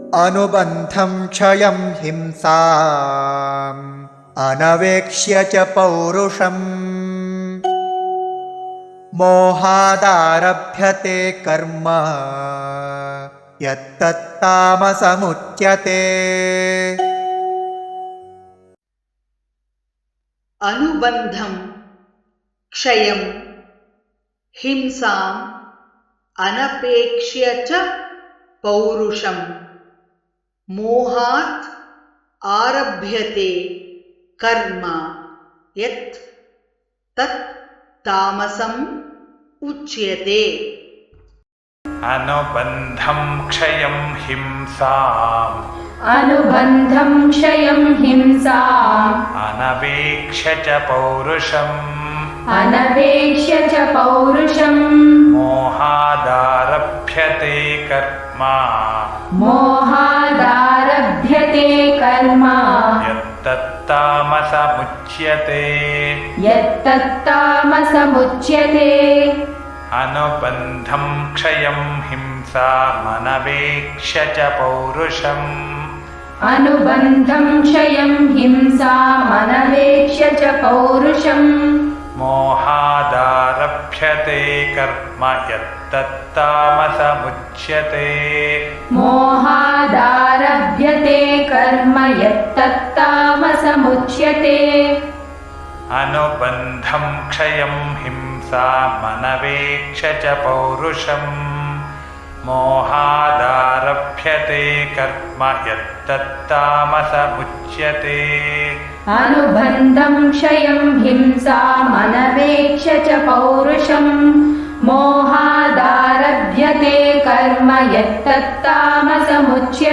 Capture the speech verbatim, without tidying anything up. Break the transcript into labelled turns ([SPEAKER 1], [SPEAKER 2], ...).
[SPEAKER 1] अनुबन्धं क्षयं हिंसाम् अनवेक्ष्य च पौरुषम् मोहादारभ्यते कर्म यत्तत्तामसमुच्यते।
[SPEAKER 2] अनुबन्धं क्षयं हिंसाम् अनपेक्ष्य च पौरुषम् मोहात् आरभ्यते कर्म यत् तत् तामसम् उच्यते।
[SPEAKER 3] अनुबन्धं क्षयं हिंसाम्
[SPEAKER 4] अनुबन्धं क्षयं हिंसाम्
[SPEAKER 3] अनवेक्ष्य च पौरुषम्
[SPEAKER 4] अनवेक्ष्य च पौरुषम्
[SPEAKER 3] मोहादारभ्यते कर्म
[SPEAKER 4] मोहादारभ्यते कर्म
[SPEAKER 3] यत्तत्तामसमुच्यते
[SPEAKER 4] यत्तत्तामसमुच्यते।
[SPEAKER 3] अनुबन्धं क्षयं हिंसामनवेक्ष्य च पौरुषम्
[SPEAKER 4] अनुबन्धं क्षयं हिंसामनवेक्ष्य च पौरुषम्
[SPEAKER 3] मोहादारभ्यते कर्म यत्तत्तामसमुच्यते
[SPEAKER 4] मोहादारभ्यते कर्म यत्तत्तामसमुच्यते।
[SPEAKER 3] अनुबन्धं क्षयं हिंसामनवेक्ष्य च पौरुषम् मोहादारभ्यते कर्म यत्तत्तामसमुच्यते।
[SPEAKER 4] अनुबन्धं क्षयं हिंसामनवेक्ष्य च पौरुषम् मोहादारभ्यते कर्म यत्तत्तामसमुच्यते।